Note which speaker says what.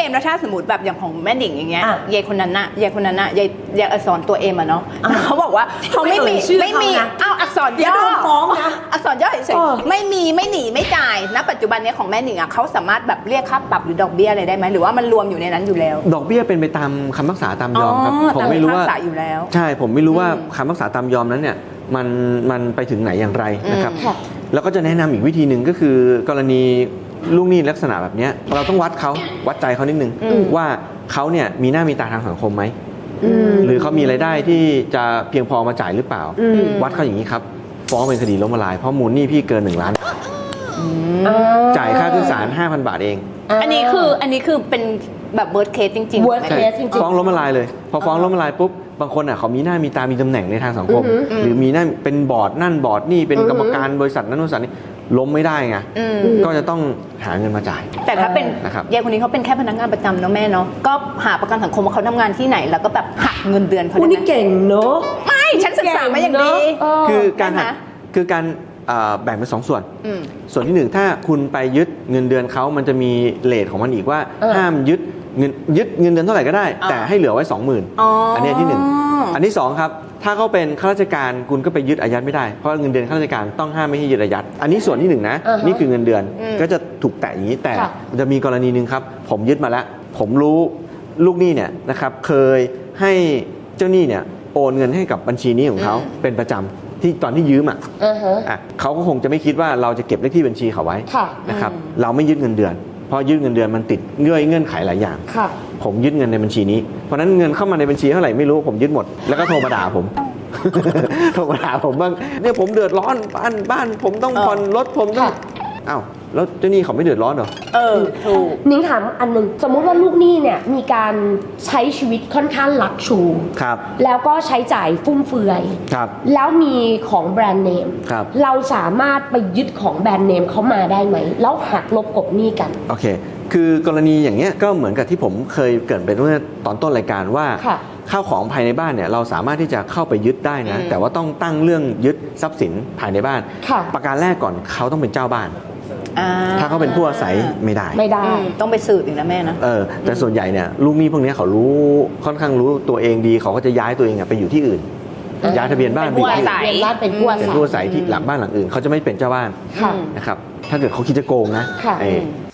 Speaker 1: แล้วถ้าสมมติแบบอย่างของแม่หนิงอย่างเงี้ย
Speaker 2: อ่ะ
Speaker 1: ยายคนนั้นน่ะยายอักษรตัวเอ็มอะเนาะเขาบอกว่าเขาไม่มี
Speaker 2: ไม่เอ่ยชื่อเขานะ
Speaker 1: อ้าวอักษร
Speaker 2: เดี๋ยว
Speaker 1: ย่อ
Speaker 2: โดนฟ้องนะ
Speaker 1: อักษรย่อเฉย
Speaker 2: เออ
Speaker 1: ๆไม่มีไม่หนีไม่จ่ายณปัจจุบันเนี้ยของแม่หนิงอะเขาสามารถแบบเรียกค่าปรับหรือดอกเบี้ยอะไรได้ไหมหรือว่ามันรวมอยู่ในนั้นอยู่แล้ว
Speaker 3: ดอกเบี้ยเป็นไปตามคำพิพากษาตามยอมครับ
Speaker 1: อ๋อ
Speaker 3: ผมไม่รู้ว่า
Speaker 1: ตามคำพิพากษาอยู่แล้ว
Speaker 3: ใช่ผมไม่รู้ว่า
Speaker 1: อืม
Speaker 3: คำพิพากษาตามยอมนั้นเนี่ยมันไปถึงไหนอย่างไรนะครับ
Speaker 2: ค่ะ
Speaker 3: แล้วก็จะแนะนำอีกวิธีหนึ่งก็คือกรณีลูกหนี้ลักษณะแบบเนี้ยเราต้องวัดใจเขานิดนึงว่าเขาเนี่ยมีหน้ามีตาทางสังคมไหมหรือเขามีรายได้ที่จะเพียงพอมาจ่ายหรือเปล่า วัดเขาอย่างนี้ครับฟ้องเป็นคดีล้มละลายเพราะมูลหนี้พี่เกิน1 ล้านจ่ายค่าขึ้นศาล 5,000 บาทเอง
Speaker 1: อันนี้คือเป็นแบบเวิร์ดเคสจริงๆ
Speaker 2: worst
Speaker 1: ไหม
Speaker 2: case จริงๆ
Speaker 3: ฟ้องล้มละลายเลย พอฟ้องล้มละลายปุ๊บบางคนอ่ะเขามีหน้ามีตามีตำแหน่งในทางสังคม หรือมีหน้าเป็นบอร์ดนั่นบอร์ดนี่เป็นกรรมการบริษัทนั้นบริษัทนี้ล้มไม่ได้ไงก็จะต้องหาเงินมาจ่าย
Speaker 1: แต่ถ้าเป็น
Speaker 3: นะครับ
Speaker 1: ยายคนนี้เขาเป็นแค่พนักงานประจำเนาะแม่เนาะก็หาประกันสังคมว่าเขาทำงานที่ไหนแล้วก็แบบหักเงินเดือนเขา
Speaker 2: คุณ
Speaker 1: ได้
Speaker 2: นี่
Speaker 1: ไหม
Speaker 2: เก่งเนอะ
Speaker 1: ไม่ฉันศึกษามาอย่างดี
Speaker 2: เออ
Speaker 3: คือการหัก
Speaker 1: ใช่ไหม
Speaker 3: คือการแบ่งเป็น2 ส่วน
Speaker 1: อืม
Speaker 3: ส่วนที่ 1 ถ้าคุณไปยึดเงินเดือนเขามันจะมีเรทของมันอีกว่า ห้ามยึดเงินเดือนเท่าไหร่ก็ได้ แต่ให้เหลือไว้ 20,000
Speaker 1: อ๋ออั
Speaker 3: อันนี้ที่ 1 อันที่ 2 ครับถ้าเขาเป็นข้าราชการคุณก็ไปยึดอายัดไม่ได้เพราะเงินเดือนข้าราชการต้องห้ามไม่ให้ยึดอายัดอันนี้ส่วนที่ 1นะนี่คือเงินเดือนก็จะถูกแตะอย่างนี้แต่มันจะมีกรณีหนึ่งครับผมยึดมาแล้วผมรู้ลูกหนี้เนี่ยนะครับเคยให้เจ้าหนี้เนี่ยโอนเงินให้กับบัญชีนี้ของเขาเป็นประจำที่ตอนที่ยืมเขาก็คงจะไม่คิดว่าเราจะเก็บเลขที่บัญชีเขาไว้
Speaker 2: ค่ะ
Speaker 3: นะครับเราไม่ยึดเงินเดือนเพราะยึดเงินเดือนมันติดเงื่อนไขหลายอย่าง
Speaker 2: ค่ะ
Speaker 3: ผมยึดเงินในบัญชีนี้เพราะฉะนั้นเงินเข้ามาในบัญชีเท่าไหร่ไม่รู้ผมยึดหมดแล้วก็โทรมาด่าผม โทรมาด่าผมบ้างเนี่ยผมเดือดร้อนบ้านผมต้องผ่อนรถผมต้อง
Speaker 2: ค่ะ
Speaker 3: อ้าวแล้วเจ้าหนี้เขาไม่เดือดร้อนเหรอ
Speaker 1: ถูก
Speaker 2: นิ้งถามอันหนึ่งสมมุติว่าลูกหนี้เนี่ยมีการใช้ชีวิตค่อนข้างลักชู
Speaker 3: ครับ
Speaker 2: แล้วก็ใช้จ่ายฟุ่มเฟือย
Speaker 3: ครับ
Speaker 2: แล้วมีของแบรนด์เนม
Speaker 3: ครับ
Speaker 2: เราสามารถไปยึดของแบรนด์เนมเขามาได้ไหม แล้วหักลบกบหนี้กัน
Speaker 3: โอเค คือกรณีอย่างเงี้ยก็เหมือนกับที่ผมเคยเกริ่นไปเมื่อตอนต้นรายการว่า
Speaker 2: ค่ะ
Speaker 3: ข้าวของภายในบ้านเนี่ยเราสามารถที่จะเข้าไปยึดได้นะ แต่ว่าต้องตั้งเรื่องยึดทรัพย์สินภายในบ้าน
Speaker 2: ค่ะ
Speaker 3: ประการแรกก่อนเขาต้องเป็นเจ้าบ้าน ถ้าเขาเป็นผู้อาศัยไม่ได้
Speaker 2: ไม่ได้
Speaker 1: ต้องไปสืบอีกนะแม่นะ
Speaker 3: แต่ส่วนใหญ่เนี่ยลูกหนี้พวกเนี้ยเขารู้ค่อนข้างรู้ตัวเองดีเขาก็จะย้ายตัวเองอะไปอยู่ที่อื่น ย้ายทะเบียนบ้านไป
Speaker 1: เป็น
Speaker 3: อ
Speaker 1: ผู้
Speaker 3: ยู่
Speaker 1: อา
Speaker 3: ที่
Speaker 1: ศั
Speaker 3: อื่น
Speaker 1: ย
Speaker 2: เรียนรัฐเป็นผู้อา
Speaker 3: เป็น
Speaker 2: ศัย
Speaker 3: ผู้อาศัยที่หลังบ้านหลังอื่นเขาจะไม่เป็นเจ้าบ้าน
Speaker 2: ค่ะ
Speaker 3: นะครับถ้าเกิดเขาคิดจะโกงนะ
Speaker 2: ค่ะ
Speaker 3: ไอ้